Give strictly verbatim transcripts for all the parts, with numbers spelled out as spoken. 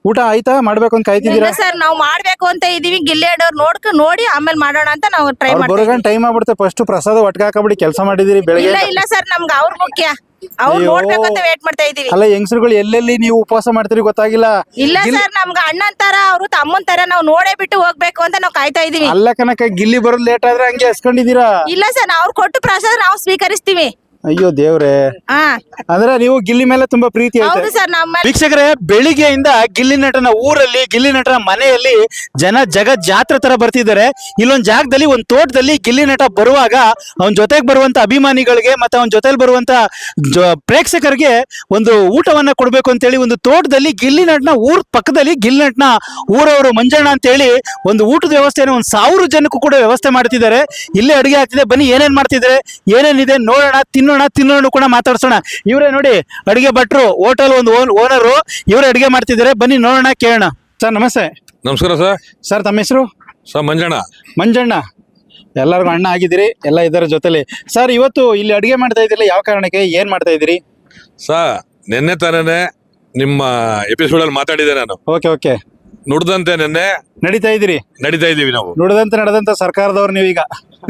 ಊಟ ಆಯ್ತಾ ಮಾಡ್ಬೇಕು ಅಂತ ಇಲ್ಲ ಕಾಯ್ತಿದ್ದೀರಾ? ಸರ್ ನಾವು ಮಾಡ್ಬೇಕು ಅಂತ ಇದೀವಿ. ಗಿಲ್ಲಿ ಆಡೋರ್ ನೋಡ್ಕ ನೋಡಿ ಆಮೇಲೆ ಮಾಡೋಣ ಅಂತ ನಾವು ಟ್ರೈ ಅವ್ರು ಮಾಡ್ತೀವಿ. ಬರೋಗಂಟ ಟೈಮ್ ಆಗ್ಬಿಡುತ್ತೆ. ಫಸ್ಟ್ ಪ್ರಸಾದ ಒಟ್ಟಿಗೆ ಹಾಕಬಿಡಿ ಕೆಲಸ ಮಾಡಿದಿರಿ ಬೆಳಗ್ಗೆ. ಇಲ್ಲ ಇಲ್ಲ ಸರ್ ನಮ್ಗೆ ಅವ್ರ ಮುಖ್ಯ, ಅವ್ರು ಅಯ್ಯೋ. ನೋಡ್ಬೇಕು ಅಂತ ವೇಟ್ ಮಾಡ್ತಾ ಇದೀವಿ. ಅಲ್ಲ ಹೆಂಗಸರುಗಳು ಎಲ್ಲೆಲ್ಲಿ ನೀವು ಉಪವಾಸ ಮಾಡ್ತೀರಿ ಗೊತ್ತಾಗಿಲ್ಲ. ಇಲ್ಲ ಸರ್ ನಮ್ಗೆ ಅಣ್ಣನ್ ತರ ಅವ್ರು ತಮ್ಮನ್ ತರ ನಾವು ನೋಡೇ ಬಿಟ್ಟು ಹೋಗ್ಬೇಕು ಅಂತ ನಾವು ಕಾಯ್ತಾ ಇದೀವಿ. ಅಲ್ಲ ಕನಕ ಗಿಲ್ಲಿ ಬರೋದು ಲೇಟ್ ಆದ್ರೆ ಹಂಗೆ ಹಸ್ಕೊಂಡಿದ್ದೀರಾ? ಇಲ್ಲ ಸರ್ ಅವ್ರು ಕೊಟ್ಟು ಪ್ರಸಾದ ನಾವು ಸ್ವೀಕರಿಸ್ತೀವಿ. ಅಯ್ಯೋ ದೇವ್ರೆ, ಹಾ ಅಂದ್ರೆ ನೀವು ಗಿಲ್ಲಿ ಮೇಲೆ ತುಂಬಾ ಪ್ರೀತಿ ಐತೆ. ಹೌದು ಸರ್ ನಮ್ಮ ವೀಕ್ಷಕರೇ, ಬೆಳಿಗ್ಗೆಯಿಂದ ಗಿಲ್ಲಿ ನಟನ ಊರಲ್ಲಿ, ಗಿಲ್ಲಿ ನಟನ ಮನೆಯಲ್ಲಿ ಜನ ಜಗತ್ ಜಾತ್ರೆ ತರ ಬರ್ತಿದ್ದಾರೆ. ಇಲ್ಲೊಂದ್ ಜಾಗದಲ್ಲಿ ಒಂದ್ ತೋಟದಲ್ಲಿ ಗಿಲ್ಲಿ ನಟ ಬರುವಾಗ ಅವನ ಜೊತೆಗೆ ಬರುವಂತ ಅಭಿಮಾನಿಗಳಿಗೆ ಮತ್ತೆ ಅವನ ಜೊತೆಲಿ ಬರುವಂತ ಪ್ರೇಕ್ಷಕರಿಗೆ ಒಂದು ಊಟವನ್ನ ಕೊಡ್ಬೇಕು ಅಂತೇಳಿ ಒಂದು ತೋಟದಲ್ಲಿ ಗಿಲ್ಲಿ ನಟನ ಊರ್ ಪಕ್ಕದಲ್ಲಿ ಗಿಲ್ಲಿ ನಟನ ಊರವರು ಮಂಜಣ್ಣ ಅಂತೇಳಿ ಒಂದು ಊಟದ ವ್ಯವಸ್ಥೆಯನ್ನು ಒಂದ್ ಸಾವಿರ ಜನಕ್ಕೂ ಕೂಡ ವ್ಯವಸ್ಥೆ ಮಾಡ್ತಿದ್ದಾರೆ. ಇಲ್ಲೇ ಅಡುಗೆ ಆಗ್ತಿದೆ. ಬನ್ನಿ ಏನೇನ್ ಮಾಡ್ತಿದ್ದಾರೆ, ಏನೇನಿದೆ ನೋಡೋಣ, ತಿನ್ನೋಣ, ತಿನ್ನೋಣ ಕೂಡ ಮಾತಾಡ್ಸೋಣ. ಇವರೇ ನೋಡಿ ಅಡಿಗೆ ಭಟ್ರು, ಹೋಟೆಲ್ ಒಂದು ಓನರು, ಇವರೇ ಅಡಿಗೆ ಮಾಡ್ತಿದ್ದಾರೆ. ಬನ್ನಿ ನೋಡೋಣ, ಕೇಳೋಣ. ಸರ್ ನಮಸ್ತೆ. ನಮಸ್ಕಾರ ಸರ್. ಸರ್ ತಮ್ಮ ಹೆಸರು? ಸರ್ ಮಂಜಣ್ಣ. ಮಂಜಣ್ಣ, ಎಲ್ಲರಿಗೂ ಅಣ್ಣ ಆಗಿದ್ದೀರಿ, ಎಲ್ಲ ಇದರ ಜೊತೆಲಿ. ಸರ್ ಇವತ್ತು ಇಲ್ಲಿ ಅಡಿಗೆ ಮಾಡ್ತಾ ಇದ್ದಿಲ್ಲ, ಯಾವ ಕಾರಣಕ್ಕೆ, ಏನ್ ಮಾಡ್ತಾ ಇದ್ದೀರಿ? ಸರ್ ನಿನ್ನೆ ತಾನೇ ನಿಮ್ಮ ಎಪಿಸೋಡ್ ಅಲ್ಲಿ ಮಾತಾಡಿದೆ ನಾನು. Okay okay. ನುಡ್ದಂತೆ ನಿನ್ನೆ ನಡೀತಾ ಇದ್ದೀರಿ, ನಡೀತಾ ಇದೀವಿ ನಾವು. ನುಡಿದಂತೆ ನಡೆದಂತ ಸರ್ಕಾರದವ್ರು ನೀವೀಗ.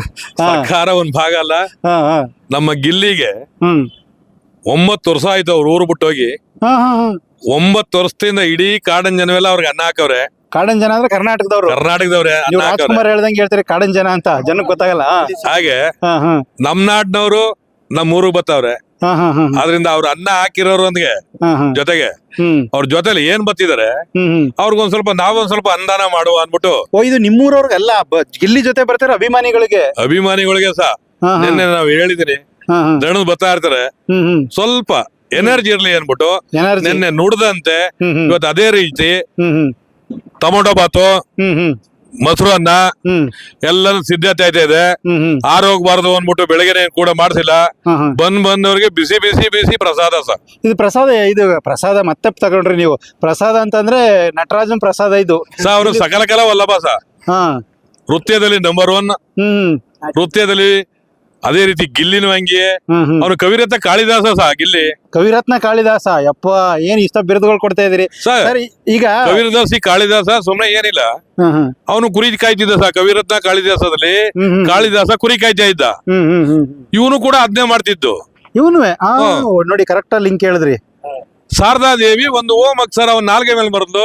ಹಾ ಸರ್ಕಾರ ಒಂದ್ ಭಾಗ ಅಲ್ಲ, ಹಾ ಹಾ. ನಮ್ಮ ಗಿಲ್ಲಿಗೆ ಹ್ಮ್ ಒಂಬತ್ತು ವರ್ಷ ಆಯ್ತು ಅವ್ರು ಊರು ಬಿಟ್ಟು ಹೋಗಿ. ಹಾ ಹಾ ಹಾ. ಒಂಬತ್ತು ವರ್ಷದಿಂದ ಇಡೀ ಕಾಡನ್ ಜನವೆಲ್ಲ ಅವ್ರಿಗೆ ಅನ್ನ ಹಾಕವ್ರೆ. ಕಾಡನ್ ಜನ ಅಂದ್ರೆ ಕರ್ನಾಟಕದವ್ರು. ಕರ್ನಾಟಕದವ್ರೆ ಅನ್ನ ನೀವು ಹಾಕವ್ರೆ. ರಾಜ್ಕುಮಾರ್ ಹೇಳ್ದಂಗೆ ಹೇಳ್ತೀರಿ ಕಾಡನ್ ಜನ ಅಂತ, ಜನಕ್ಕೆ ಗೊತ್ತಾಗಲ್ಲ. ಹಾಗೆ ಹಾ ಹಾ ನಮ್ ನಾಡ್ನವ್ರು ನಮ್ ಊರಿಗೆ ಬರ್ತಾವ್ರೆ. ಹಾ ಹಾ ಹಾ ಆದ್ರಿಂದ ಅವ್ರ ಅನ್ನ ಹಾಕಿರೋರೊಂದಿಗೆ ಹಾ ಹಾ. ಜೊತೆಗೆ ಹ್ಮ್ ಅವ್ರ ಜೊತೆಲಿ ಏನ್ ಬತ್ತಿದ್ದಾರೆ ಹ್ಮ್ ಹ್ಮ್. ಅವ್ರಿಗೊಂದ್ ಸ್ವಲ್ಪ ನಾವೊಂದ್ ಸ್ವಲ್ಪ ಅನುದಾನ ಮಾಡುವ ಅಂದ್ಬಿಟ್ಟು ಓ, ಇದು ನಿಮ್ಮೂರವ್ರಿಗೆಲ್ಲ ಗಿಲ್ಲಿ ಜೊತೆ ಬರ್ತಾರೆ ಅಭಿಮಾನಿಗಳಿಗೆ. ಅಭಿಮಾನಿಗಳಿಗೆ ಸಹ ಹಾ ಹಾ ನಿನ್ನೆ ನಾವು ಹೇಳಿದೀನಿ, ಹಾ ಹಾ. ದಣದ್ ಬರ್ತಾ ಇರ್ತಾರೆ, ಹ್ಮ್ ಹ್ಮ್. ಸ್ವಲ್ಪ ಎನರ್ಜಿ ಇರ್ಲಿ ಅನ್ಬಿಟ್ಟು ಎನರ್ಜಿ. ನಿನ್ನೆ ನುಡ್ದಂತೆ ಹ್ಮ್ ಹ್ಮ್. ಇವತ್ತು ಅದೇ ರೀತಿ ಹ್ಮ್ ಹ್ಮ್. ಟೊಮೊಟೊ ಬಾತು, ಹ್ಮ್ ಹ್ಮ್. ಮೊಸರು ಅನ್ನ ಹ್ಮ್ ಎಲ್ಲಾನು ಸಿದ್ಧತೆ ಆಯ್ತಾ ಇದೆ. ಹ್ಮ್ ಹ್ಮ್. ಆರೋಗ್ಬಾರ್ದು ಅಂದ್ಬಿಟ್ಟು ಬೆಳಗ್ಗೆ ಕೂಡ ಮಾಡ್ಸಿಲ್ಲ. ಹಾ ಹಾ. ಬಂದ್ ಬಂದವ್ರಿಗೆ ಬಿಸಿ ಬಿಸಿ ಬಿಸಿ ಪ್ರಸಾದ ಸರ್. ಇದು ಪ್ರಸಾದ, ಇದು ಪ್ರಸಾದ ಮತ್ತೆ ತಗೊಂಡ್ರಿ ನೀವು. ಪ್ರಸಾದ ಅಂತಂದ್ರೆ ನಟರಾಜನ್ ಪ್ರಸಾದ ಇದು. ಸ ಅವರು ಸಕಲ ಕಲ ವಲ್ಲಭ ಸ ಹಾ. ನೃತ್ಯದಲ್ಲಿ ನಂಬರ್ ಒನ್. ಹ್ಮ್ ನೃತ್ಯದಲ್ಲಿ ಅದೇ ರೀತಿ ಗಿಲ್ಲಿನೂ ಹಂಗೆ. ಹ್ಮ್ ಹ್ಮ್. ಅವನು ಕವಿರತ್ನ ಕಾಳಿದಾಸ ಸಹ ಗಿಲ್ಲಿ. ಕವಿರತ್ನ ಕಾಳಿದಾಸ, ಯಪ್ಪ ಏನ್ ಇಷ್ಟ ಬಿರುದುಗಳು ಕೊಡ್ತಾ ಇದೀರಿ ಸರ್. ಸರ್. ಈಗ ಕವಿರದಾಸಿ ಕಾಳಿದಾಸ ಸುಮ್ನೆ ಏನಿಲ್ಲ, ಹ್ಮ್ ಹ್ಮ್. ಅವನು ಕುರಿ ಕಾಯ್ತಿದ್ದ ಸಹ. ಕವಿರತ್ನ ಕಾಳಿದಾಸದಲ್ಲಿ ಹ್ಮ್ ಹ್ಮ್. ಕಾಳಿದಾಸ ಕುರಿ ಕಾಯ್ತಾ ಇದ್ದ. ಹ್ಮ್ ಹ್ಮ್ ಹ್ಮ್. ಇವನು ಕೂಡ ಅದನ್ನೇ ಮಾಡ್ತಿದ್ದು. ಇವನುವೆ ಆ ಹಾ. ನೋಡಿ ಕರೆಕ್ಟ್ ಲಿಂಕ್ ಹೇಳಿದ್ರಿ. ಶಾರದಾ ದೇವಿ ಒಂದು ಓಂ ಅಕ್ಷರ ಅವನ್ ನಾಲ್ಗೆ ಮೇಲೆ ಬರೆದು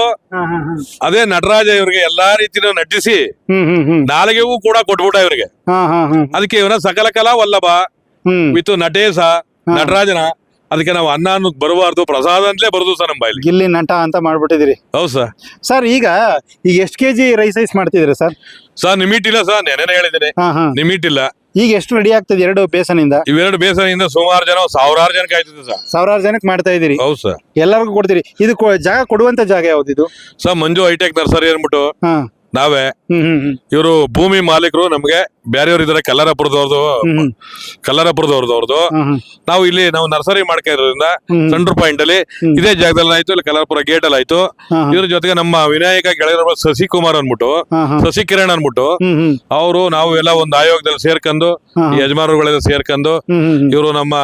ಅದೇ ನಟರಾಜ ಇವ್ರಿಗೆ ಎಲ್ಲಾ ರೀತಿನೂ ನಟಿಸಿ ಹ್ಮ್ ಹ್ಮ್ ಹ್ಮ್. ನಾಲ್ಗೆಗೂ ಕೂಡ ಕೊಟ್ಬಿಟ್ಟ ಇವ್ರಿಗೆ. ಹಾ ಹಾ ಹ್ಮ್ ಅದಕ್ಕೆ ಇವನ ಸಕಲ ಕಲಾ ವಲ್ಲಭ ಹ್ಮ್. ವಿತ್ ನಟೇಶ ಹಾ. ನಟರಾಜನ. ಅದಕ್ಕೆ ನಾವು ಅನ್ನ ಅನ್ನೋದು ಬರಬಾರ್ದು, ಪ್ರಸಾದ ಅಂತಲೇ ಬರುದು ಸರ್ ನಮ್ಮ ಬಾಯಲ್ಲಿ. ಗಿಲ್ಲಿ ನಟ ಅಂತ ಮಾಡ್ಬಿಟ್ಟಿದಿರಿ. ಹೌದು ಸರ್. ಸರ್ ಈಗ ಈಗ ಎಷ್ಟು ಕೆಜಿ ರೈಸ್ ಐಸ್ ಮಾಡ್ತಿದ್ರಿ ಸರ್? ಸರ್ ನಿಮಿಟ್ ಇಲ್ಲ ಸರ್, ನೆನೆನೆ ಹೇಳಿದ್ದೇನೆ, ಹಾ ಹಾ. ನಿಮಿಟ್ ಇಲ್ಲ. ಈಗ ಎಷ್ಟು ರೆಡಿ ಆಗ್ತದೆ ಎರಡು ಬೇಸನಿಂದ? ಇವೆರಡು ಬೇಸನಿಂದ ಸುಮಾರು ಜನ ಸಾವಿರಾರು ಜನ ಕಾಯ್ತಿದೆ ಸರ್. ಸಾವಿರಾರು ಜನಕ್ಕೆ ಮಾಡ್ತಾ ಇದೀರಿ. ಹೌದು ಸರ್. ಎಲ್ಲರಿಗೂ ಕೊಡ್ತೀರಿ. ಇದು ಕೊ- ಜಾಗ ಕೊಡುವಂತ ಜಾಗ ಯಾವ್ದಿದು? ಸರ್ ಮಂಜು ಹೈಟೆಕ್ ನರ್ಸರಿ ಅಂದ್ಬಿಟ್ಟು ಹಾ. ನಾವೇ. ಹ್ಮ್ ಹ್ಮ್ ಹ್ಮ್. ಇವರು ಭೂಮಿ ಮಾಲೀಕರು, ನಮ್ಗೆ ಬೇರೆಯವ್ರು ಇದಾರೆ, ಕಲ್ಲರಪುರದವ್ರದ್ದು. ಹ್ಮ್ ಹ್ಮ್. ಕಲ್ಲರಪುರದವ್ರದ್ದು ಅವ್ರದ್ದು. ಹ್ಮ್ ಹ್ಮ್. ನಾವು ಇಲ್ಲಿ ನಾವು ನರ್ಸರಿ ಮಾಡ್ಕೊಂಡಿರೋದ್ರಿಂದ ಹ್ಮ್. ಸೆಂಟ್ರ್ ಪಾಯಿಂಟ್ ಅಲ್ಲಿ ಹ್ಮ್. ಇದೇ ಜಾಗದಲ್ಲಿ ಆಯ್ತು, ಇಲ್ಲಿ ಕಲ್ಲರಪುರ ಗೇಟ್ ಅಲ್ಲಿ ಆಯ್ತು. ಹಾ ಹಾ. ಇದ್ರ ಜೊತೆಗೆ ನಮ್ಮ ವಿನಾಯಕ ಗೆಳೆಯರ ಶಶಿಕುಮಾರ್ ಅನ್ಬಿಟ್ಟು, ಹಾ ಹಾ. ಶಶಿಕಿರಣ್ ಅನ್ಬಿಟ್ಟು ಹ್ಮ್ ಹ್ಮ್. ಅವರು ನಾವು ಎಲ್ಲ ಒಂದು ಆಯೋಗದಲ್ಲಿ ಸೇರ್ಕೊಂಡು, ಹಾ ಈ ಹಾ. ಯಜಮಾನರುಗಳೆಲ್ಲ ಸೇರ್ಕೊಂಡು, ಹ್ಮ್ ಹ್ಮ್ ಹ್ಮ್. ಇವರು ನಮ್ಮ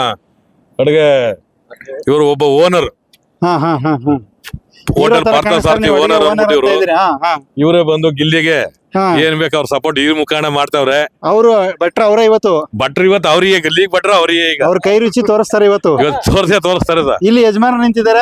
ಅಡುಗೆ ಇವರು ಒಬ್ಬ ಓನರ್, ಹಾ ಹಾ ಹಾ ಹಾ. ಹೋಟೆಲ್ ಪಾರ್ಥಸಾರಥಿ ಓನರ್ ಅಂದ್ಬಿಟ್ಟು ಇವರು ಇವರೇ ಬಂದು ಗಿಲ್ಲಿಗೆ ಏನ್ ಬೇಕು ಅವ್ರ ಸಪೋರ್ಟ್ ಈ ಮುಖಾಂಡ ಮಾಡ್ತಾವ್ರೆ. ಅವರು ಭಟ್ರ ಅವರೇ ಇವತ್ತು ಭಟ್ರು ಇವತ್ತು ಅವ್ರಿಗೆ, ಗಲ್ಲಿಗೆ ಭಟ್ರು ಅವ್ರಿಗೆ ಈಗ ಅವ್ರ ಕೈ ರುಚಿ ತೋರಿಸ್ತಾರೆ ಇವತ್ತು. ಇವತ್ತು ತೋರ್ಸೇ ತೋರಿಸ್ತಾರೆ ಸರ್. ಇಲ್ಲಿ ಯಜಮಾನ ನಿಂತಿದ್ದಾರೆ.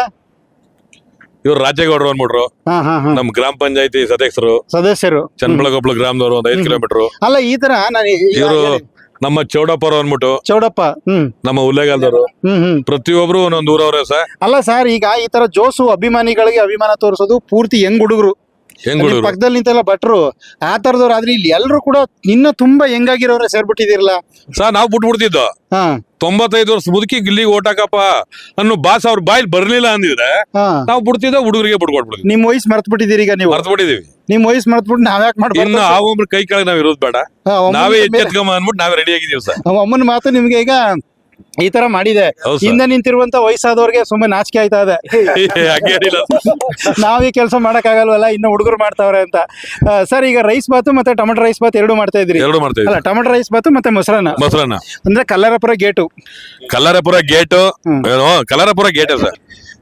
ಇವ್ರು ರಾಜೇಗೌಡರು ಅಂದ್ಬಿಟ್ರು, ಹಾ ಹಾ ಹಾ. ನಮ್ ಗ್ರಾಮ ಪಂಚಾಯತಿ ಸದಸ್ಯರು, ಸದಸ್ಯರು. ಚನ್ನಬಳಗೊಬ್ಳು ಗ್ರಾಮದವರು, ಒಂದ್ ಐದ್ ಕಿಲೋಮೀಟರ್. ಅಲ್ಲ ಈ ತರ ನಾನು ಇವರು ನಮ್ಮ ಚೌಡಪ್ಪರು ಅಂದ್ಬಿಟ್ಟು, ಚೌಡಪ್ಪ. ಹ್ಮ್ ನಮ್ಮ ಉಲ್ಲೇಗಾಲದವರು, ಹ್ಮ್ ಹ್ಮ್. ಪ್ರತಿಯೊಬ್ರು ಒಂದೊಂದು ಊರವ್ರೆ ಸರ್. ಅಲ್ಲ ಸರ್, ಈಗ ಈ ತರ ಜೋಸು ಅಭಿಮಾನಿಗಳಿಗೆ ಅಭಿಮಾನ ತೋರಿಸೋದು ಪೂರ್ತಿ ಹೆಂಗ್ ಹುಡುಗರು ಹೆಂಗ್ ಅಲ್ಲಿ ಹುಡುಗರು ಪಕ್ಕದಲ್ಲಿ ನಿಂತೆಲ್ಲ ಭಟ್ರು ಆ ತರದವ್ರು. ಆದ್ರೆ ಇಲ್ಲಿ ಎಲ್ರು ಕೂಡ ನಿನ್ನ ತುಂಬಾ ಹೆಂಗಾಗಿರೋರೆ ಸೇರ್ಬಿಟ್ಟಿದಿರಲ್ಲ ಸರ್. ನಾವು ಬಿಟ್ಬಿಡ್ತಿದ್ದೋ ಹಾ ತೊಂಬತ್ತೈದು ವರ್ಷ ಮುದುಕಿ ಗಿಲ್ಲಿಗೆ ಓಟಾಕಪ್ಪ ಅನ್ನೋ ಬಾಸ್ ಅವ್ರ ಬಾಯಿಲ್ ಬರ್ಲಿಲ್ಲ ಅಂದಿದ್ರೆ ಹಾ. ನಾವು ಬಿಡ್ತಿದ್ದೋ, ಹುಡುಗರಿಗೆ ಬಿಟ್ಕೊಟ್ಬಿಡ್ತೀವಿ. ನಿಮ್ ವಯಸ್ಸು ಮರ್ತ್ ಬಿಟ್ಟಿದ್ದೀರಿ ಈಗ ನೀವು. ಮರ್ತು ಬಿಟ್ಟಿದೀವಿ. ನಿಮ್ ವಯಸ್ಸು ಮರ್ತ್ಬಿಟ್ಟು ನಾವ್ಯಾಕ್ ಇನ್ನು ಮಾಡ್ಬಾರ್ದು? ಆ ಒಬ್ರು ಕೈ ಕೆಳಗೆ ನಾವ್ ಇರೋದು ಬೇಡ, ನಾವೇ ಎಚ್ಚೆತ್ಕೊಂಬ ಅಂದ್ಬಿಟ್ಟು ನಾವೇ ರೆಡಿ ಆಗಿದೀವಿ ಸರ್. ಅಮ್ಮನ ಮಾತು ನಿಮ್ಗೆ ಈಗ ಈ ತರ ಮಾಡಿದೆ. ಹೌದು ಸರ್. ಹಿಂದೆ ನಿಂತಿರುವಂತ ವಯಸ್ಸಾದವ್ರಿಗೆ ಸುಮ್ಮನೆ ನಾಚಿಕೆ ಆಯ್ತಾ ಇದೆ. ಹಂಗೇನಿಲ್ಲ ನಾವ್ ಈ ಕೆಲಸ ಮಾಡಕ್ ಆಗಲ್ವಲ್ಲ, ಇನ್ನು ಹುಡುಗರು ಮಾಡ್ತಾವ್ರೆ ಅಂತ. ಸರ್ ಈಗ ರೈಸ್ ಬಾತು ಮತ್ತೆ ಟೊಮೆಟೊ ರೈಸ್ ಬಾತ್ ಎರಡು ಮಾಡ್ತಾ ಇದ್ರಿ. ಎರಡು ಮಾಡ್ತೇವೆ. ಅಲ್ಲ ಟೊಮೆಟೊ ರೈಸ್ ಬಾತು ಮತ್ತೆ ಮೊಸರನ್ನ. ಮೊಸರನ್ನ ಅಂದ್ರೆ ಕಲ್ಲರಪುರ ಗೇಟು. ಕಲ್ಲರಪುರ ಗೇಟು ಹ್ಮ್. ಏನೋ ಕಲ್ಲರಪುರ ಗೇಟ್ ಸರ್.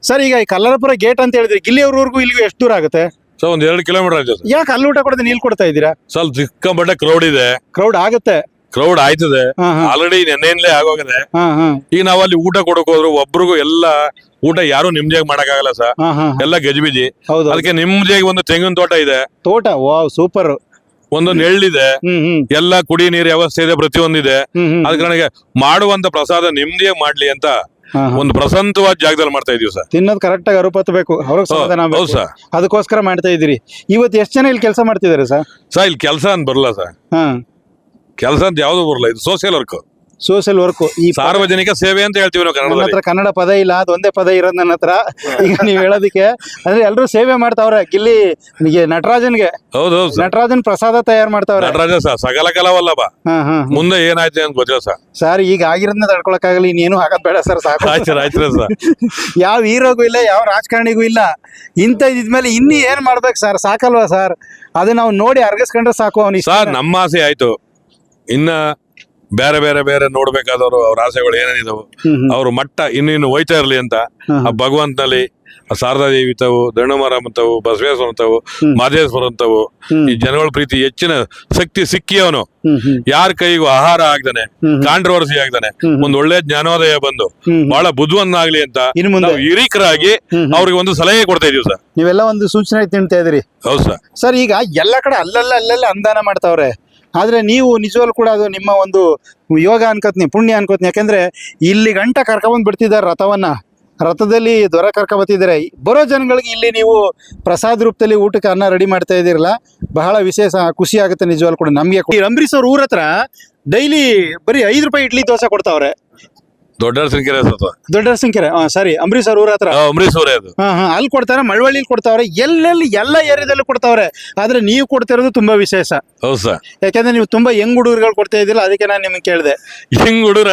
ಸರ್ ಈಗ ಈ ಕಲ್ಲರಪುರ ಗೇಟ್ ಅಂತ ಹೇಳಿದ್ರಿ, ಗಿಲ್ಲಿಯವ್ರವರೆಗೂ ಇಲ್ಲಿಗೂ ಎಷ್ಟು ದೂರ ಆಗುತ್ತೆ? ಸೊ ಒಂದ್ ಎರಡು ಕಿಲೋಮೀಟರ್ ಆಯ್ತು ಸರ್. ಯಾಕೆ ಅಲ್ಲಿ ಊಟ ಕೊಡದೆ ನೀಲ್ ಕೊಡ್ತಾ ಇದ್ದೀರಾ? ಸ್ವಲ್ಪ ಸಿಕ್ಕಾಪಟ್ಟೆ ಕ್ರೌಡ್ ಇದೆ, ಕ್ರೌಡ್ ಆಗುತ್ತೆ. ಕ್ರೌಡ್ ಆಯ್ತದೆ ಹಾ, ಹಾ. ಆಲ್ರೆಡಿ ನೆನ್ನೆಯಿಂದಲೇ ಆಗೋಗಿದೆ. ಹಾ, ಹಾ. ಈಗ ನಾವ್ ಅಲ್ಲಿ ಊಟ ಕೊಡಕ್ ಹೋದ್ರು ಒಬ್ರಿಗೂ ಎಲ್ಲ ಊಟ ಯಾರು ನಿಮ್ದಿಯಾಗಿ ಮಾಡಕ್ ಆಗಲ್ಲ ಸರ್, ಹಾ, ಹಾ. ಎಲ್ಲ ಗಜಿಬಿಜಿ. ಹೌದು. ಅದಕ್ಕೆ ನಿಮ್ದಿಯಾಗಿ ಒಂದು ತೆಂಗಿನ ತೋಟ ಇದೆ, ತೋಟ ವಾವ್ ಸೂಪರ್. ಒಂದು ನೆಳ್ಳಿದೆ, ಹ್ಮ್ ಹ್ಮ್ ಎಲ್ಲ ಕುಡಿ ನೀರ್ ವ್ಯವಸ್ಥೆ ಇದೆ, ಪ್ರತಿಯೊಂದಿದೆ. ಹ್ಮ್ ಹ್ಮ್. ಅದ್ ಕಾರಣಕ್ಕೆ ಮಾಡುವಂತ ಪ್ರಸಾದ ನಿಮ್ದಿಯಾಗಿ ಮಾಡ್ಲಿ ಅಂತ ಹಾ, ಹಾ. ಒಂದು ಪ್ರಶಾಂತವಾದ ಜಾಗದಲ್ಲಿ ಮಾಡ್ತಾ ಇದೀವಿ ಸರ್. ತಿನ್ನೋದ್ ಕರೆಕ್ಟ್ ಆಗಿ ಅರುಪತ್ತಬೇಕು, ಅವ್ರಿಗೆ ಸಮಾಧಾನ ಹೌದು ಆಗ್ಬೇಕು. ಸರ್. ಅದಕ್ಕೋಸ್ಕರ ಮಾಡ್ತಾ ಇದ್ದೀರಿ. ಇವತ್ತು ಎಷ್ಟು ಜನ ಇಲ್ಲಿ ಕೆಲಸ ಮಾಡ್ತಿದ್ದಾರೆ ಸರ್? ಸರ್ ಇಲ್ಲಿ ಕೆಲಸ ಅಂತ ಬರಲ್ಲ ಸರ್, ಹಾ, ಕೆಲಸ ಅಂತ ಯಾವ್ದು ಬರಲ್ಲ, ಇದು ಸೋಷಿಯಲ್ ವರ್ಕ್, ಸೋಷಿಯಲ್ ವರ್ಕ್. ಈ ಪ- ಸಾರ್ವಜನಿಕ ಸೇವೆ ಅಂತ ಹೇಳ್ತೀವಿ ನಾವು ನನ್ನ ಕನ್ನಡದಲ್ಲಿ. ಹತ್ರ ಕನ್ನಡ ಪದ ಇಲ್ಲ, ಅದೊಂದೇ ಪದ ಇರೋದು ನನ್ನ ಹತ್ರ. ಈಗ ನೀವ್ ಹೇಳೋದಕ್ಕೆ ಅಂದ್ರೆ ಎಲ್ರು ಸೇವೆ ಮಾಡ್ತಾವ್ರೆ. ಗಿಲ್ಲಿ ನಿಗೆ ನಟರಾಜನ್ಗೆ ಹೌದು ಹೌದು ಸರ್. ನಟರಾಜನ್ ಪ್ರಸಾದ ತಯಾರು ಮಾಡ್ತಾವ್ರೆ. ನಟರಾಜ ಸರ್ ಸಕಲ ಕಲಾವಲ್ಲಭ. ಹಾ, ಹಾ. ಮುಂದೆ ಏನಾಯ್ತು ಅಂತ ಗೊತ್ತಿಲ್ಲ ಸರ್. ಸರ್ ಈಗ ಆಗಿರೋದನ್ನ ತಡ್ಕೊಳಕ್ಕಾಗಲ್ಲ, ಇನ್ನೇನು ಹಾಕದ್ ಬೇಡ ಸರ್, ಸಾಕು. ಆಯ್ತು ಆಯ್ತು ಸರ್. ಯಾವ ಹೀರೋಗೂ ಇಲ್ಲ, ಯಾವ ರಾಜಕಾರಣಿಗೂ ಇಲ್ಲ. ಇಂಥ ಇದ್ಮೇಲೆ ಇನ್ನು ಏನ್ ಮಾಡ್ಬೇಕು ಸರ್? ಸಾಕಲ್ವಾ ಸರ್? ಅದು ನಾವು ನೋಡಿ ಅರ್ಗಿಸ್ಕೊಂಡ್ರೆ ಸಾಕು ಅವನಿಗೆ. ಸರ್ ನಮ್ಮ ಆಸೆ ಆಯ್ತು, ಇನ್ನ ಬೇರೆ ಬೇರೆ ಬೇರೆ ನೋಡ್ಬೇಕಾದವರು ಅವ್ರ ಆಸೆಗಳು ಏನೇನಿದಾವು ಅವ್ರ ಮಟ್ಟ ಇನ್ನಿನ್ನು ಹೋಯ್ತಾ ಇರ್ಲಿ ಅಂತ ಆ ಭಗವಂತನಲ್ಲಿ ಆ ಶಾರದಾ ದೇವಿ ಅಂತವು, ದಂಡುಮರ ಅಂತವು, ಬಸವೇಶ್ವರ ಅಂತವು, ಮಾದೇಶ್ವರ ಅಂತವು, ಈ ಜನಗಳ ಪ್ರೀತಿ ಹೆಚ್ಚಿನ ಶಕ್ತಿ ಸಿಕ್ಕಿ ಅವನು ಯಾರ ಕೈಗೂ ಆಹಾರ ಆಗ್ದಾನೆ, ಕಾಂಟ್ರವರ್ಸಿ ಆಗ್ದಾನೆ, ಒಂದ್ ಒಳ್ಳೆ ಜ್ಞಾನೋದಯ ಬಂದು ಬಹಳ ಬುದ್ಧಿವಂತನಾಗ್ಲಿ ಅಂತ ಇನ್ನು ಮುಂದೆ ನಾವು ಹಿರೀಕರಾಗಿ ಅವ್ರಿಗೆ ಒಂದು ಸಲಹೆ ಕೊಡ್ತಾ ಇದೀವಿ ಸರ್. ನೀವೆಲ್ಲ ಒಂದು ಸೂಚನೆ ತಿಂತಾ ಇದ್ರಿ. ಹೌದು ಸರ್. ಸರ್ ಈಗ ಎಲ್ಲ ಕಡೆ ಅಲ್ಲಲ್ಲ ಅಲ್ಲೆಲ್ಲ ಅನುದಾನ ಮಾಡ್ತಾವ್ರೆ, ಆದ್ರೆ ನೀವು ನಿಜವಾಗ್ಲೂ ಕೂಡ ಅದು ನಿಮ್ಮ ಒಂದು ಯೋಗ ಅನ್ಕೋತೀನಿ, ಪುಣ್ಯ ಅನ್ಕೋತೀನಿ. ಯಾಕಂದ್ರೆ ಇಲ್ಲಿ ಗಂಟ ಕರ್ಕೊಂಡ್ ಬಿಡ್ತಿದ್ದಾರೆ ರಥವನ್ನ, ರಥದಲ್ಲಿ ದೊರೆ ಕರ್ಕೊಂಡ್ ಬರ್ತಿದ್ದಾರೆ. ಬರೋ ಜನಗಳಿಗೆ ಇಲ್ಲಿ ನೀವು ಪ್ರಸಾದ ರೂಪದಲ್ಲಿ ಊಟಕ್ಕೆ ಅನ್ನ ರೆಡಿ ಮಾಡ್ತಾ ಇದ್ದೀರಲ್ಲ, ಬಹಳ ವಿಶೇಷ, ಖುಷಿ ಆಗುತ್ತೆ ನಿಜವಾಗ್ಲೂ ಕೂಡ ನಮ್ಗೆ. ಈ ಅಂಬರೀಶ್ ಅವ್ರ ಊರ ಹತ್ರ ಡೈಲಿ ಬರೀ ಐದು ರೂಪಾಯಿ ಇಡ್ಲಿ ದೋಸೆ ಕೊಡ್ತಾವ್ರೆ. ದೊಡ್ಡ ಸಂಖ್ಯೆ ದೊಡ್ಡ ಸಂಖ್ಯೆ ಸಾರಿ ಅಂಬರೀಶ್ ಅವ್ರ ಊರ ಹತ್ರ. ಅಂಬರೀಶ್ ಅವರೇ ಅದು. ಹಾ ಹಾ ಅಲ್ಲಿ ಕೊಡ್ತಾರೆ, ಮಳವಳ್ಳಿಲಿ ಕೊಡ್ತಾವ್ರೆ, ಎಲ್ಲೆಲ್ಲಿ ಎಲ್ಲ ಏರಿಯಾದಲ್ಲೂ ಕೊಡ್ತಾವ್ರೆ. ಆದ್ರೆ ನೀವು ಕೊಡ್ತಿರೋದು ತುಂಬಾ ವಿಶೇಷ. ಹೌದು ಸರ್. ಯಾಕಂದ್ರೆ ನೀವು ತುಂಬಾ ಯಂಗ್ ಹುಡುಗರುಗಳು ಕೊಡ್ತಾ ಇದ್ದಿಲ್ಲ, ಅದಕ್ಕೆ ನಾನು ನಿಮ್ಗೆ ಕೇಳಿದೆ. ಹೆಂಗ್ ಹುಡುಗ್ರ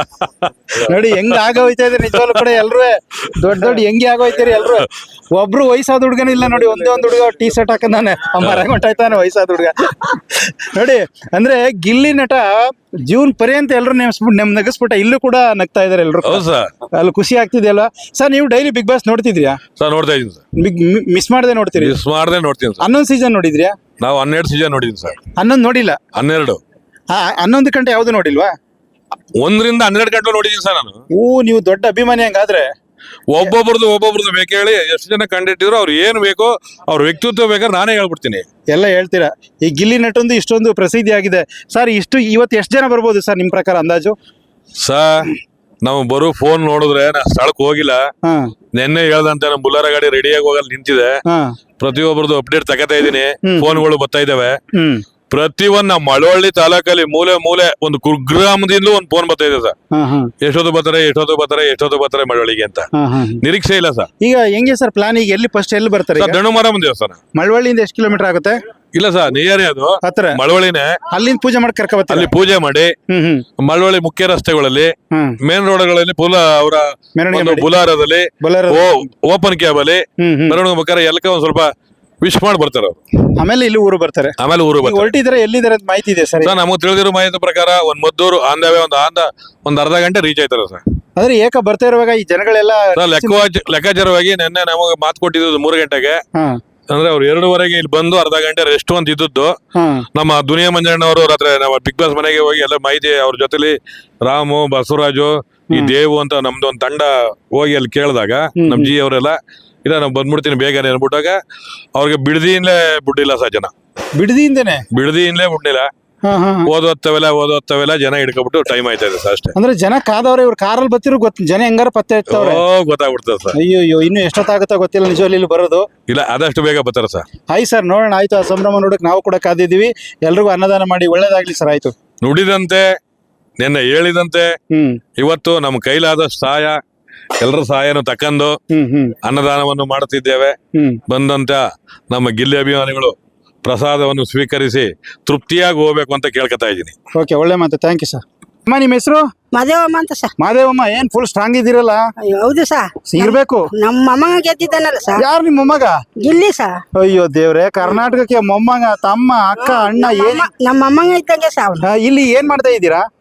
ನೋಡಿ ಹೆಂಗ್ ಆಗೋಯ್ತಾ ಇದೆ ನಿಜವಾಗ್ಲೂ ಕೂಡ. ಎಲ್ರು ದೊಡ್ಡ ದೊಡ್ಡ ಹೆಂಗೆ ಆಗೋಯ್ತೀರಿ ಎಲ್ರು. ಒಬ್ರು ವಯಸ್ಸಾದ ಹುಡುಗನ ಇಲ್ಲ ನೋಡಿ, ಒಂದೇ ಒಂದ್ ಹುಡುಗ ಟೀ ಶರ್ಟ್ ಹಾಕಂದಾನೆ, ಮರ ಹೊಂಟಾಯ್ತಾನೆ ವಯಸ್ಸಾದ ಹುಡುಗ. ನೋಡಿ ಅಂದ್ರೆ ಗಿಲ್ಲಿ ನಟ ಜೀವನ್ ಪರ್ಯಂತ ಎಲ್ರು ನೆಮ್ಸ್ಬಿಟ್ಟು ನೆಮ್ ನಗಸ್ಬಿಟ್ಟ, ಇಲ್ಲೂ ಕೂಡ ನಗ್ತಾ ಇದಾರೆ ಎಲ್ರು. ಹೌದು ಸರ್. ಅಲ್ಲಿ ಖುಷಿ ಆಗ್ತಿದೆ ಅಲ್ವಾ ಸರ್? ನೀವು ಡೈಲಿ ಬಿಗ್ ಬಾಸ್ ನೋಡ್ತಿದ್ರಿಯಾ ಸರ್? ನೋಡ್ತಾ ಇದೀನಿ ಸರ್. ಮಿಸ್ ಮಾಡದೆ ನೋಡ್ತೀರಿ? ಮಿಸ್ ಮಾಡದೆ ನೋಡ್ತೀನಿ ಸರ್. ಹನ್ನೊಂದು ಸೀಸನ್ ನೋಡಿದ್ರಿಯಾ? ನಾವು ಹನ್ನೆರಡು ಸೀಸನ್ ನೋಡಿದೀನಿ ಸರ್. ಹನ್ನೊಂದು ನೋಡಿಲ್ಲ? ಹನ್ನೆರಡು. ಹಾ, ಹನ್ನೊಂದು ಗಂಟೆ ಯಾವ್ದು ನೋಡಿಲ್ವಾ? ಒಂದರಿಂದ ಹನ್ನೆರಡು ಗಂಟೆ ನೋಡಿದೀನಿ ಸರ್ ನಾನು. ಓ, ನೀವು ದೊಡ್ಡ ಅಭಿಮಾನಿ ಹಂಗಾದ್ರೆ. ಒಬ್ಬೊಬ್ರದ್ದು ಒಬ್ಬೊಬ್ರದ್ದು ಬೇಕು ಹೇಳಿ, ಎಷ್ಟು ಜನ ಕಂಡಿಟ್ಟಿದ್ರು ಅವ್ರು ಏನ್ ಬೇಕೋ ಅವ್ರ ವ್ಯಕ್ತಿತ್ವ ಬೇಕಾದ್ರೆ ನಾನೇ ಹೇಳ್ಬಿಡ್ತೀನಿ. ಎಲ್ಲ ಹೇಳ್ತೀರಾ? ಈ ಗಿಲ್ಲಿ ನಟೊಂದು ಇಷ್ಟೊಂದು ಪ್ರಸಿದ್ಧಿ ಆಗಿದೆ ಸರ್. ಇಷ್ಟು ಇವತ್ತು ಎಷ್ಟು ಜನ ಬರ್ಬೋದು ಸರ್ ನಿಮ್ ಪ್ರಕಾರ ಅಂದಾಜು? ಸರ್ ನಾವು ಬರೋ ಫೋನ್ ನೋಡಿದ್ರೆ ನಾ ಸ್ಥಳಕ್ಕೆ ಹೋಗಿಲ್ಲ. ಹಾ, ನೆನ್ನೆ ಹೇಳ್ದಂತೆ ನಮ್ಮ ಬುಲ್ಲಾರ ಗಾಡಿ ರೆಡಿಯಾಗಿ ಹೋಗಲ್ಲ ನಿಂತಿದೆ. ಹಾ, ಪ್ರತಿಯೊಬ್ಬರದ್ದು ಅಪ್ಡೇಟ್ ತಗೋತಾ ಇದೀನಿ. ಹ್ಮ್. ಫೋನ್ಗಳು ಬರ್ತಾ ಇದಾವೆ. ಹ್ಮ್, ಪ್ರತಿಯೊಂದ್ ನಮ್ಮ ಮಳವಳ್ಳಿ ತಾಲೂಕಲ್ಲಿ ಮೂಲೆ ಮೂಲೆ ಒಂದು ಕುಗ್ರಾಮದಿಂದಲೂ ಒಂದು ಫೋನ್ ಬರ್ತಾ ಇದೆ ಸರ್. ಹಾ, ಹಾ, ಎಷ್ಟೊತ್ತು ಬರ್ತಾರೆ ಎಷ್ಟೊತ್ತು ಬರ್ತಾರೆ ಎಷ್ಟೊತ್ತು ಬರ್ತಾರೆ ಮಳವಳ್ಳಿಗೆ ಅಂತ. ಹಾ, ಹಾ. ನಿರೀಕ್ಷೆ ಇಲ್ಲ ಸರ್. ಈಗ ಹೆಂಗೆ ಸರ್ ಪ್ಲಾನ್? ಈಗ ಎಲ್ಲಿ ಫಸ್ಟ್ ಎಲ್ಲಿ ಬರ್ತಾರೆ? ಸರ್ ದಂಡುಮರಮ್ಮ ದೇವಸ್ಥಾನ. ಮಳವಳ್ಳಿಯಿಂದ ಎಷ್ಟು ಕಿಲೋಮೀಟರ್ ಆಗುತ್ತೆ? ಇಲ್ಲ ಸರ್, ನಿಯರೇ ಅದು, ಹತ್ರ. ಮಳವಳ್ಳಿನೇ. ಅಲ್ಲಿಂದ ಪೂಜೆ ಮಾಡಿ ಕರ್ಕ ಬರ್ತಾರೆ. ಅಲ್ಲಿ ಪೂಜೆ ಮಾಡಿ ಹ್ಮ್ ಹ್ಮ್ ಮಳವಳ್ಳಿ ಮುಖ್ಯ ರಸ್ತೆಗಳಲ್ಲಿ, ಹ್ಮ್ ಮೇನ್ ರೋಡ್ಗಳಲ್ಲಿ ಪುಲ ಅವರ ಮೆರವಣಿಗೆ ಒಂದು ಮಾಡಿ. ಬುಲಾರದಲ್ಲಿ ಬೊಲೆರೋ. ಓಪನ್ ಕ್ಯಾಬ್ ಅಲ್ಲಿ ಹ್ಮ್ ಹ್ಮ್ ಮೆರವಣಿಗೆ ಬೇಕಾದ್ರೆ ಎಲ್ಲಕ್ಕೆ ಒಂದ್ ಸ್ವಲ್ಪ ವಿಶ್ ಮಾಡಿ ಬರ್ತಾರೆ ಅವ್ರು. ಆಮೇಲೆ ಇಲ್ಲಿ ಊರು ಬರ್ತಾರೆ. ಆಮೇಲೆ ಊರು ಈಗ ಬರ್ತಾರೆ. ಹೊರಟಿದ್ರೆ ಎಲ್ಲಿದ್ದಾರೆ ಅಂತ ಮಾಹಿತಿ ಇದೆ ಸರ್? ಸರ್ ನಮಗೆ ತಿಳಿದಿರೋ ಮಾಹಿತಿ ಪ್ರಕಾರ ಒಂದ್ ಮದ್ದೂರು ಆಂದವೇ ಒಂದ್ ಆಂದ ಒಂದ್ ಅರ್ಧ ಗಂಟೆ ರೀಚ್ ಆಯ್ತಾರೆ ಸರ್. ಅಂದ್ರೆ ಏಕ ಬರ್ತಾ ಇರುವಾಗ ಈ ಜನಗಳೆಲ್ಲ ಸರ್ ಲೆಕ್ಕ ಲೆಕ್ಕಾಚಾರವಾಗಿ ನಿನ್ನೆ ನಮಗೆ ಮಾತು ಕೊಟ್ಟಿದ್ದು ಮೂರು ಗಂಟೆಗೆ. ಹಾ, ಅಂದ್ರೆ ಅವ್ರು ಎರಡೂವರೆಗೆ ಇಲ್ಲಿ ಬಂದು ಅರ್ಧ ಗಂಟೆ ರೆಸ್ಟ್ ಅಂತ ಇದ್ದದ್ದು. ಹಾ, ನಮ್ಮ ದುನಿಯಾ ಮಂಜಣ್ಣವರು ರಾತ್ರಿ ನಮ್ಮ ಬಿಗ್ ಬಾಸ್ ಮನೆಗೆ ಹೋಗಿ ಎಲ್ಲ ಮಾಹಿತಿ ಅವ್ರ ಜೊತೆಲಿ ರಾಮು, ಬಸವರಾಜು, ಈ ದೇವು ಅಂತ ನಮ್ದು ಒಂದ್ ತಂಡ ಹೋಗಿ ಅಲ್ಲಿ ಕೇಳಿದಾಗ ನಮ್ ಜಿ ಅವರೆಲ್ಲ ಇಲ್ಲ ನಾವು ಬಂದ್ಬಿಡ್ತೀನಿ ಬೇಗನೆ ಅನ್ಬಿಟ್ಟಾಗ ಅವ್ರಿಗೆ ಬಿಡದಿಯಿಂದಲೇ ಬಿಡ್ಲಿಲ್ಲ ಸರ್ ಜನ. ಬಿಡದಿಯಿಂದನೇ? ಬಿಡದಿಯಿಂದಲೇ ಬಿಡ್ಲಿಲ್ಲ. ಹಾ, ಹಾ, ಹಾ. ಓದೋತ್ತವೆಲ್ಲ ಓದೋತ್ತವೆಲ್ಲ ಜನ ಹಿಡ್ಕೊಬಿಟ್ಟು ಟೈಮ್ ಆಯ್ತಾ ಇದೆ ಸರ್ ಅಷ್ಟೇ. ಅಂದ್ರೆ ಜನ ಕಾದವ್ರೆ, ಇವ್ರು ಕಾರಲ್ಲಿ ಬರ್ತಿರೋ ಗೊತ್ತ, ಜನ ಹೆಂಗಾರ ಪತ್ತೆ ಇರ್ತಾವ್ರೆ. ಓ ಗೊತ್ತಾಗ್ಬಿಡ್ತದೆ ಸರ್. ಅಯ್ಯೋ ಅಯ್ಯೋ, ಇನ್ನು ಎಷ್ಟೊತ್ತಾಗುತ್ತಾ ಗೊತ್ತಿಲ್ಲ ನಿಜವಾಗ್ಲೂ ಇಲ್ಲಿ ಬರೋದು. ಇಲ್ಲ ಆದಷ್ಟು ಬೇಗ ಬರ್ತಾರೆ ಸರ್. ಆಯ್ತು ಸರ್, ನೋಡೋಣ. ಆಯ್ತು, ಆ ಸಂಭ್ರಮ ನೋಡಕ್ ನಾವು ಕೂಡ ಕಾದಿದ್ದೀವಿ. ಎಲ್ರಿಗೂ ಅನ್ನದಾನ ಮಾಡಿ ಒಳ್ಳೇದಾಗ್ಲಿ ಸರ್. ಆಯ್ತು. ನುಡಿದಂತೆ ನಿನ್ನೆ ಹೇಳಿದಂತೆ ಹ್ಮ್ ಇವತ್ತು ನಮ್ಮ ಕೈಲಾದಷ್ಟು ಸಹಾಯ ಎಲ್ಲರ ಸಹಾಯನು ತಕ್ಕಂದು ಹ್ಮ್ ಹ್ಮ್ ಅನ್ನದಾನವನ್ನು ಮಾಡುತ್ತಿದ್ದೇವೆ. ಹ್ಮ್ ಬಂದಂತ ನಮ್ಮ ಗಿಲ್ಲಿ ಅಭಿಮಾನಿಗಳು ಪ್ರಸಾದವನ್ನು ಸ್ವೀಕರಿಸಿ ತೃಪ್ತಿಯಾಗಿ ಹೋಗ್ಬೇಕು ಅಂತ ಕೇಳ್ಕೊತಾ ಇದ್ದೀನಿ. ಓಕೆ, ಒಳ್ಳೆ ಮಾತು. Thank you sir. ಅಮ್ಮ, ನಿಮ್ಮ ಹೆಸರು? ಮದೇವಮ್ಮ ಅಂತ ಸರ್. ಮಾದೇವಮ್ಮ, ಏನ್ ಫುಲ್ ಸ್ಟ್ರಾಂಗ್ ಇದ್ದೀರಲ್ಲ? ಹೌದು ಸರ್. ಇರ್ಬೇಕು. ನಮ್ಮ ಮೊಮ್ಮಗ ಗೆದ್ದಿದ್ದಾನಲ್ಲ ಸರ್. ಯಾರು ನಿಮ್ಮ ಮೊಮ್ಮಗ? ಗಿಲ್ಲಿ ಸರ್. ಅಯ್ಯೋ ದೇವ್ರೆ, ಕರ್ನಾಟಕಕ್ಕೆ ಮೊಮ್ಮಗ, ತಮ್ಮ, ಅಕ್ಕ, ಅಣ್ಣ, ಏನ್ ನಮ್ಮ ಮೊಮ್ಮಗ ಇದ್ದಂಗೆ ಸರ್ ಅವ್ನು. ಆ, ಇಲ್ಲಿ ಏನ್ ಮಾಡ್ತಾ ಇದ್ದೀರಾ?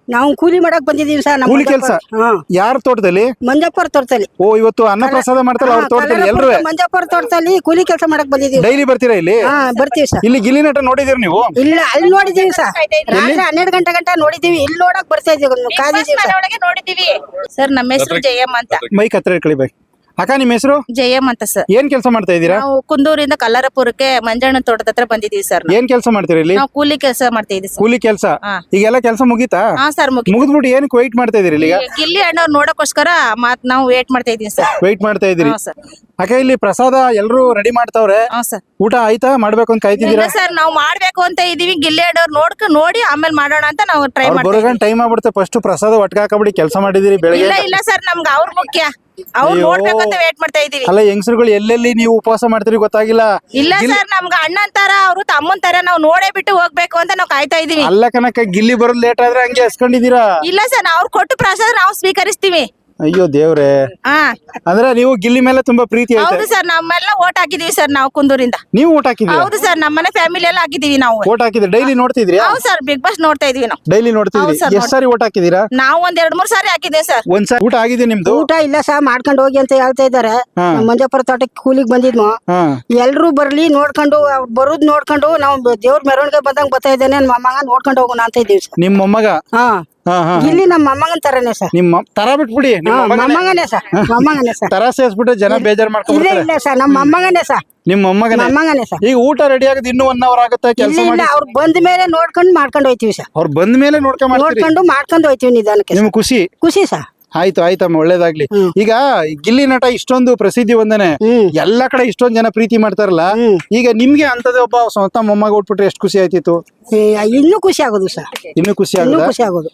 ನಾವು ಕೂಲಿ ಮಾಡಕ್ ಬಂದಿದೀವಿ ಸರ್ ನಮ್ಮ ಕೂಲಿ ಕೆಲ್ಸ? ಹಾ ಯಾರ ತೋಟದಲ್ಲಿ? ಮಂಜಪ್ಪರ ತೋಟದಲ್ಲಿ. ಓ, ಇವತ್ತು ಅನ್ನ ಪ್ರಸಾದ ಮಾಡ್ತಾರಲ್ಲ ಅವ್ರ ತೋಟದಲ್ಲಿ ಎಲ್ರು ಮಂಜಪ್ಪರ ತೋಟದಲ್ಲಿ ಕೂಲಿ ಕೆಲಸ ಮಾಡಕ್ ಬಂದಿದೀವಿ. ಡೈಲಿ ಬರ್ತೀರಾ ಇಲ್ಲಿ? ಹಾ ಬರ್ತೀವಿ ಸರ್. ಇಲ್ಲಿ ಗಿಲ್ಲಿ ನಟ ನೋಡಿದಿರ ನೀವು? ಇಲ್ಲ ಅಲ್ಲಿ ನೋಡಿದೀವಿ ಸರ್, ರಾತ್ರಿ ಹನ್ನೆರಡು ಗಂಟೆ ಗಂಟೆ ನೋಡಿದೀವಿ. ಇಲ್ಲಿ ನೋಡಕ್ ಬರ್ತಾ ಇದೀವಿ, ಕಾದಿದೀವಿ ಸರ್. ಒಳಗೆ ನೋಡಿದೀವಿ ಸರ್. ನಮ್ಮ ಹೆಸರು ಜಯಮ್ಮ ಅಂತ. ಮೈಕ್ ಹತ್ರ ಇಟ್ಕೊಳ್ಳಿ ಬೈ. ಅಕ್ಕ, ನಿಮ್ಮ ಹೆಸರು? ಜಯಮ್ಮ ಅಂತ ಸರ್. ಏನ್ ಕೆಲಸ ಮಾಡ್ತಾ ಇದ್ದೀರಾ? ನಾವು ಕುಂದೂರಿಂದ ಕಲ್ಲಾರಪುರಕ್ಕೆ ಮಂಜಣ್ಣ ತೋಟದ ಹತ್ರ ಬಂದಿದೀವಿ ಸರ್. ನಾವು. ಏನ್ ಕೆಲಸ ಮಾಡ್ತೀರಾ ಇಲ್ಲಿ? ನಾವು ಕೂಲಿ ಕೆಲಸ ಮಾಡ್ತಾ ಇದೀವಿ ಸರ್. ಕೂಲಿ ಕೆಲಸ. ಹಾ. ಈಗೆಲ್ಲ ಕೆಲಸ ಮುಗೀತಾ? ಹಾ ಸರ್ ಮುಗಿ ಮುಗಿದ್ಬಿಟ್ಟು ಏನಕ್ಕೆ ವೆಯ್ಟ್ ಮಾಡ್ತಾ ಇದೀರಿ ಇಲ್ಲಿ? ಈಗ ಗಿಲ್ಲಿ ಅಣ್ಣವ್ರು ನೋಡಕ್ಕೋಸ್ಕರ ಮಾತ್ ನಾವು ವೇಟ್ ಮಾಡ್ತಾ ಇದೀವಿ ಸರ್. ವೆಯ್ಟ್ ಮಾಡ್ತಾ ಇದೀರಿ. ಹಾ ಸರ್. ಅಕ್ಕ, ಇಲ್ಲಿ ಪ್ರಸಾದ ಎಲ್ರು ರೆಡಿ ಮಾಡ್ತಾವ್ರೆ. ಹಾ ಸರ್. ಊಟ ಆಯ್ತಾ? ಮಾಡ್ಬೇಕು ಅಂತ ಇಲ್ಲ ಕಾಯ್ತಿದ್ದೀರಾ? ಸರ್, ನಾವು ಮಾಡ್ಬೇಕು ಅಂತ ಇದೀವಿ. ಗಿಲ್ಲಿ ಅಣ್ಣವ್ರು ನೋಡ್ಕ ನೋಡಿ ಆಮೇಲೆ ಮಾಡೋಣ ಅಂತ ನಾವು ಟ್ರೈ ಅವ್ರು ಮಾಡ್ತೀವಿ. ಬರೋಗಂಟ ಟೈಮ್ ಆಗ್ಬಿಡುತ್ತೆ. ಫಸ್ಟ್ ಪ್ರಸಾದ ಒಟ್ಟಿಗೆ ಹಾಕಬಿಡಿ. ಕೆಲಸ ಮಾಡಿದಿರಿ ಬೆಳಗ್ಗೆ. ಇಲ್ಲ ಇಲ್ಲ ಸರ್, ನಮ್ಗೆ ಅವ್ರ ಮುಖ್ಯ. ಅವ್ರು ಅಯ್ಯೋ. ನೋಡ್ಬೇಕು ಅಂತ ವೇಟ್ ಮಾಡ್ತಾ ಇದೀವಿ. ಅಲ್ಲ, ಹೆಂಗಸರುಗಳು ಎಲ್ಲೆಲ್ಲಿ ನೀವು ಉಪವಾಸ ಮಾಡ್ತೀರಿ ಗೊತ್ತಾಗಿಲ್ಲ. ಇಲ್ಲ ಸರ್, ನಮ್ಗೆ ಅಣ್ಣನ್ ತರ ಅವ್ರು ತಮ್ಮನ್ ತರ ನಾವು ನೋಡೇ ಬಿಟ್ಟು ಹೋಗ್ಬೇಕು ಅಂತ ನಾವು ಕಾಯ್ತಾ ಇದೀವಿ. ಅಲ್ಲ ಕನಕ, ಗಿಲ್ಲಿ ಬರೋದ್ ಲೇಟ್ ಆದ್ರೆ ಹಂಗೆ ಹಸ್ಕೊಂಡಿದೀರಾ? ಇಲ್ಲ ಸರ್, ಅವ್ರು ಕೊಟ್ಟು ಪ್ರಸಾದ ನಾವು ಸ್ವೀಕರಿಸ್ತೀವಿ. ಅಯ್ಯೋ ದೇವ್ರೆ. ಹಾ ಅಂದ್ರೆ ನೀವು ಗಿಲ್ಲಿ ಮೇಲೆ ತುಂಬಾ ಪ್ರೀತಿ ಐತೆ. ಹೌದು ಸರ್, ನಮ್ಮೆಲ್ಲ ಓಟ್ ಹಾಕಿದೀವಿ ಸರ್ ನಾವು ಕುಂದೂರಿಂದ. ನೀವು ಓಟ್ ಹಾಕಿದ್ರಿ? ಹೌದು ಸರ್, ನಮ್ಮನೆ ಫ್ಯಾಮಿಲಿ ಎಲ್ಲ ಹಾಕಿದೀವಿ ನಾವು. ಓಟ್ ಹಾಕಿದ್ರಿ? ಡೈಲಿ ನೋಡ್ತಿದ್ರಿ? ಹೌದು ಸರ್, ಬಿಗ್ ಬಾಸ್ ನೋಡ್ತಾ ಇದೀವಿ ನಾವು. ಡೈಲಿ ನೋಡ್ತಿದ್ರಿ? ಹೌದು sir, ಎಷ್ಟ್ ಸಾರಿ ಓಟ್ ಹಾಕಿದೀರಾ? ನಾವು ಒಂದ್ ಎರಡ್ ಮೂರ್ ಸಾರಿ ಹಾಕಿದ್ದೀವಿ ಸರ್. ಒಂದ್ಸಾರಿ ಊಟ ಆಗಿದೆ ನಿಮ್ದು? ಊಟ ಇಲ್ಲ ಸರ್, ಮಾಡ್ಕೊಂಡು ಹೋಗಿ ಅಂತ ಹೇಳ್ತಾ ಇದಾರೆ. ಹಾ. ಮಂಜಪ್ಪರ ತೋಟಕ್ಕೆ ಕೂಲಿಗೆ ಬಂದಿದ್ನು. ಹಾ. ಎಲ್ರು ಬರ್ಲಿ ನೋಡ್ಕೊಂಡು ಅವ್ರ್ ಬರೋದ್ ನೋಡ್ಕೊಂಡು ನಾವು ದೇವ್ರ ಮೆರವಣಿಗೆ ಬಂದಂಗ್ ಬರ್ತಾ ಇದ್ದೇನೆ. ನನ್ನ ಮೊಮ್ಮಗ ನೋಡ್ಕೊಂಡು ಹೋಗೋಣ ಅಂತ ಇದ್ದೀವಿ ಸರ್. ನಿಮ್ ಮೊಮ್ಮಗ? ಹಾ ಹಾ ಹಾ. ಇಲ್ಲಿ ನಮ್ಮ ಮೊಮ್ಮಗನ್ ತರನೇ ಸರ್. ನಿಮ್ಮ ತರ ಬಿಟ್ಬಿಡಿ. ನಿಮ್ ಹಾ ಮೊಮ್ಮಗನೇ. ಮೊಮ್ಮಗನೇ ಸರ್, ಮೊಮ್ಮಗನೇ ಸರ್. ತರ ಸೇರ್ಸ್ಬಿಟ್ರೆ ಜನ ಬೇಜಾರ್ ಇಲ್ಲ ಮಾಡ್ಕೊಂಡ್ಬಿಡ್ತಾರೆ. ಇಲ್ಲ ಸರ್, ನಮ್ಮ ಮೊಮ್ಮಗನೇ ಸರ್, ನಿಮ್ ಮೊಮ್ಮಗನೇ? ಮೊಮ್ಮಗನೇ ಸರ್. ಈಗ ಊಟ ರೆಡಿ ಆಗದ್ ಇನ್ನೂ ಒನ್ ಅವರ್ ಆಗುತ್ತೆ. ಕೆಲಸ ಇಲ್ಲ ಮಾಡಿ ಇಲ್ಲ, ಅವ್ರು ಬಂದ ಮೇಲೆ ನೋಡ್ಕೊಂಡು ಮಾಡ್ಕೊಂಡು ಹೋಯ್ತಿವಿ ಸರ್. ಅವ್ರು ಬಂದ ಮೇಲೆ ನೋಡ್ಕೊಂಡ್ ಮಾಡ್ತೀರಿ? ನೋಡ್ಕೊಂಡು ಮಾಡ್ಕೊಂಡು ಹೋಯ್ತಿವಿ ನಿಧಾನಕ್ಕೆ ಸರ್. ನಿಮ್ಗೆ ಖುಷಿ? ಖುಷಿ ಸರ್. ಆಯ್ತು ಆಯ್ತಮ್ಮ, ಒಳ್ಳೇದಾಗ್ಲಿ. ಹ್ಮ್. ಈಗ ಗಿಲ್ಲಿ ನಟ ಇಷ್ಟೊಂದು ಪ್ರಸಿದ್ಧಿ ಹೊಂದನೆ, ಹ್ಮ್ ಎಲ್ಲಾ ಕಡೆ ಇಷ್ಟೊಂದ್ ಜನ ಪ್ರೀತಿ ಮಾಡ್ತಾರಲ್ಲ. ಹ್ಮ್. ಈಗ ನಿಮ್ಗೆ ಅಂತದೇ ಒಬ್ಬ ಸ್ವಂತ ಮೊಮ್ಮಗ ಹುಟ್ಬಿಟ್ರೆ ಎಷ್ಟು ಖುಷಿ ಆಯ್ತಿತ್ತು? ಏ, ಇನ್ನೂ ಖುಷಿ ಆಗೋದು ಸರ್, ಇನ್ನು ಖುಷಿ ಇನ್ನೂ ಆಗದ? ಖುಷಿ ಆಗೋದು.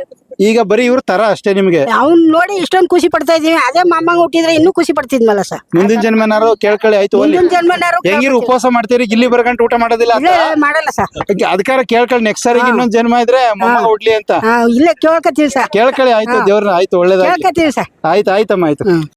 ಈಗ ಬರೀ ಇವ್ರ ತರ ಅಷ್ಟೇ ನಿಮ್ಗೆ? ಅವ್ನ್ ನೋಡಿ ಇಷ್ಟೊಂದು ಖುಷಿ ಪಡ್ತಾ ಇದೀವಿ. ಅದೇ ಮೊಮ್ಮಗ ಹುಟ್ಟಿದ್ರೆ ಇನ್ನೂ ಖುಷಿ ಪಡ್ತಿದ್ಮಲ್ಲ ಸರ್. ಮುಂದಿನ ಜನ್ಮನಾರು ಕೇಳ್ಕೊಳ್ಳಿ. ಆಯ್ತು ಅಲ್ಲಿ ಮುಂದಿನ ಜನ್ಮನಾರು ಹೆಂಗಿರು ಉಪವಾಸ ಮಾಡ್ತೀರಿ? ಗಿಲ್ಲಿ ಬರ್ಗಂಟು ಊಟ ಮಾಡೋದಿಲ್ಲ ಅಂತ? ಇಲ್ಲ ಮಾಡಲ್ಲ ಸರ್. ಅದಕ್ಕಾರ ಕೇಳ್ಕೊಳ್ಳಿ, ನೆಕ್ಸ್ಟ್ ಸಾರಿ ಇನ್ನೊಂದ್ ಜನ್ಮ ಇದ್ರೆ ಮೊಮ್ಮಗ ಹುಟ್ಲಿ ಅಂತ ಹಾ ಇಲ್ಲೇ ಕೇಳ್ಕತ್ತೀವಿ ಸರ್, ಕೇಳ್ಕೊಳ್ಳಿ. ಆಯ್ತು ದೇವ್ರನ್ನ. ಆಯ್ತು, ಒಳ್ಳೇದಾಗ್ಲಿ. ಕೇಳ್ಕತ್ತೀವಿ ಸರ್. ಆಯ್ತು ಆಯ್ತಮ್ಮ, ಆಯ್ತು.